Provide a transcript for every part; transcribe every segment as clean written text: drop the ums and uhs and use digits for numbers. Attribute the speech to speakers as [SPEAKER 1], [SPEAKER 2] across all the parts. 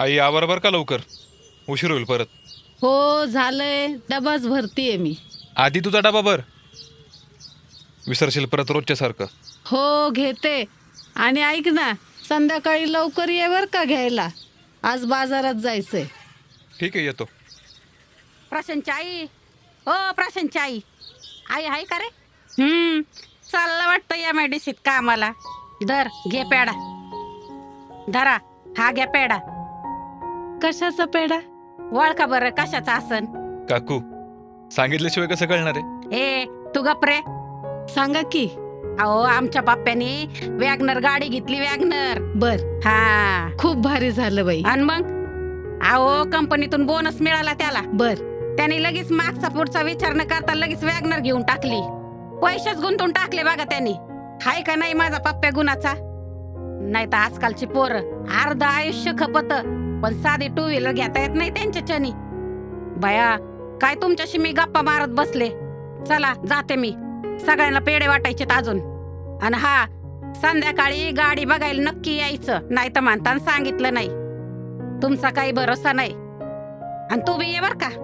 [SPEAKER 1] आई या बरोबर का लवकर, उशीर होईल परत.
[SPEAKER 2] हो झालंय, डबाच भरतीये मी.
[SPEAKER 1] आधी तुझा डबा भर, विसरशील परत रोजच्या सारखं.
[SPEAKER 2] हो घेते. आणि ऐक ना, संध्याकाळी लवकर ये बर का घ्यायला, आज बाजारात जायचंय.
[SPEAKER 1] ठीक आहे, येतो.
[SPEAKER 3] प्रशांतची आई, हो प्रशांतची आई, आई आहे का रे? चाललं वाटतं या मेडिसित कामाला. धर घे पेडा, धरा हा घ्या पेडा.
[SPEAKER 2] कशाचा पेढा?
[SPEAKER 3] वळखा बरं कशाचा आसन.
[SPEAKER 1] काकू, सांगितल्याशिवाय कसं कळणार आहे?
[SPEAKER 3] ए तू गप्रे.
[SPEAKER 2] सांगा की.
[SPEAKER 3] अहो आमच्या बाप्प्याने वॅगनर गाडी घेतली, वॅगनर.
[SPEAKER 2] बर,
[SPEAKER 3] हा
[SPEAKER 2] खूप भारी झालं बाई.
[SPEAKER 3] आणि मग अहो कंपनीतून बोनस मिळाला त्याला.
[SPEAKER 2] बर,
[SPEAKER 3] त्याने लगेच मागचा पुढचा विचार न करता लगेच वॅगनर घेऊन टाकली. पैसेच गुंतवून टाकले बघा त्यांनी. हाय का नाही माझा पप्प्या गुणाचा? नाही तर आजकालची पोरं अर्ध आयुष्य खपत, पण साधी टू व्हीलर घेता येत नाही त्यांच्याच्यानी. बया काय तुमच्याशी मी गप्पा मारत बसले. चला जाते मी, सगळ्यांना पेढे वाटायचे अजून. आणि हा संध्याकाळी गाडी बघायला नक्की यायचं, नाही तर म्हणताना सांगितलं नाही. तुमचा काही भरोसा नाही. आणि तू बी ये बर का.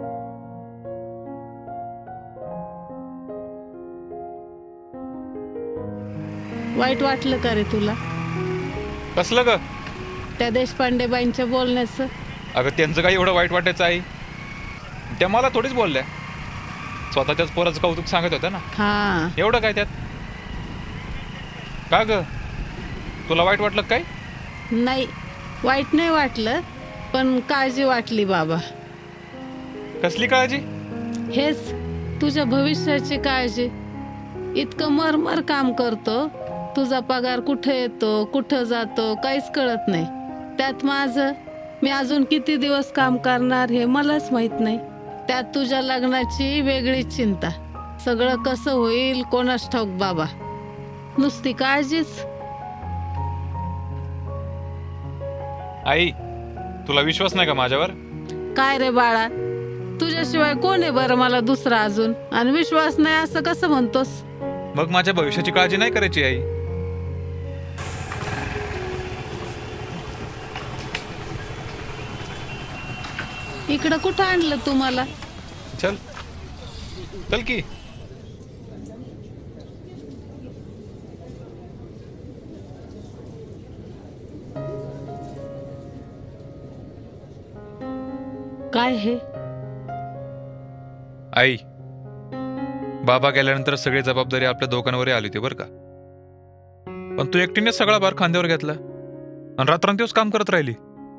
[SPEAKER 2] वाईट वाटलं का रे तुला
[SPEAKER 1] कसलं ग?
[SPEAKER 2] त्या देशपांडे बाईंच्या बोलण्याचं?
[SPEAKER 1] अगं त्यांचं काही एवढं वाईट वाटायचं आहे? त्या मला थोडीच बोलल्या, स्वतःच्याच पोराचं कौतुक सांगत होत्या ना.
[SPEAKER 2] हा,
[SPEAKER 1] एवढं काय त्यात? का ग, तुला वाईट वाटलं काय?
[SPEAKER 2] नाही वाईट नाही वाटलं, पण काळजी वाटली बाबा.
[SPEAKER 1] कसली काळजी?
[SPEAKER 2] हेच तुझ्या भविष्याची काळजी. इतकं मरमर काम करतो, तुझा पगार कुठं येतो कुठं जातो काहीच कळत नाही. त्यात माझं, मी अजून किती दिवस काम करणार हे मलाच माहित नाही. त्यात तुझ्या लग्नाची वेगळीच चिंता. सगळं कसं होईल कोणास ठाऊक बाबा. नुसती काळजीच.
[SPEAKER 1] आई, तुला विश्वास नाही का माझ्यावर?
[SPEAKER 2] काय रे बाळा, तुझ्याशिवाय कोण आहे बरं मला दुसरा अजून? आणि विश्वास नाही असं कसं म्हणतोस?
[SPEAKER 1] मग माझ्या भविष्याची काळजी नाही करायची आई?
[SPEAKER 2] इकडं कुठं आणलं तू मला?
[SPEAKER 1] चल चल की.
[SPEAKER 2] काय हे?
[SPEAKER 1] आई, बाबा गेल्यानंतर सगळी जबाबदारी आपल्या दोघांवर आली होती बरं का. पण तू एकटीने सगळा भार खांद्यावर घेतला आणि रात्रंदिवस काम करत राहिली.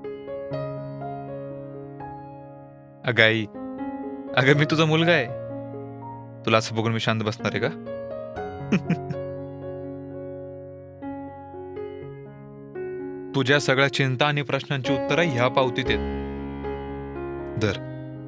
[SPEAKER 1] अगं आई, अगं मी तुझा मुलगा आहे. तुला असं बघून मी शांत बसणार आहे का? तुझ्या सगळ्या चिंता आणि प्रश्नांची उत्तरं ह्या पावतीत आहेत. धर.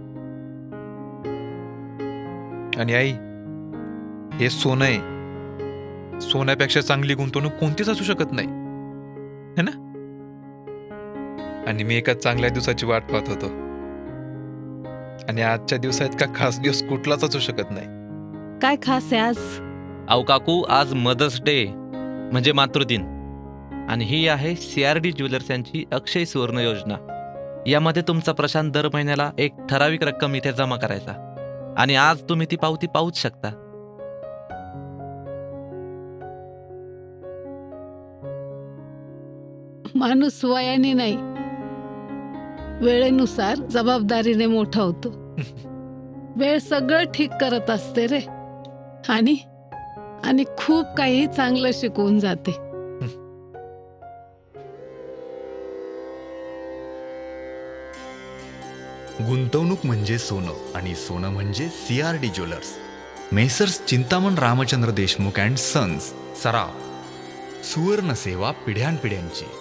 [SPEAKER 1] आणि आई, हे सोनं आहे. सोन्यापेक्षा चांगली गुंतवणूक कोणतीच असू शकत नाही, है ना? आणि मी एका चांगल्या दिवसाची वाट पाहत होतो, आणि आजच्या दिवसात का खास दिवस कुठलाच असू शकत नाही.
[SPEAKER 2] काय खास आहे आज?
[SPEAKER 4] अहो काकू, आज मदर्स डे म्हणजे मातृदिन. आणि ही आहे CRD ज्वेलर्स यांची अक्षय सुवर्ण योजना. यामध्ये तुमचा प्रशांत दर महिन्याला एक ठराविक रक्कम इथे जमा करायचा, आणि आज तुम्ही ती पावती पाहूच शकता.
[SPEAKER 2] माणूस वयाने नाही, वेळेनुसार जबाबदारीने मोठा होतो. वेळ सगळं ठीक करत असते रे. आणि आणि खूप काही चांगलं शिकवून जाते.
[SPEAKER 5] गुंतवणूक म्हणजे सोनं, आणि सोनं म्हणजे CRD jewellers. Messrs Chintaman Ramchandra Deshmukh and sons, सराव. सुवर्ण सेवा पिढ्यानपिढ्यांची.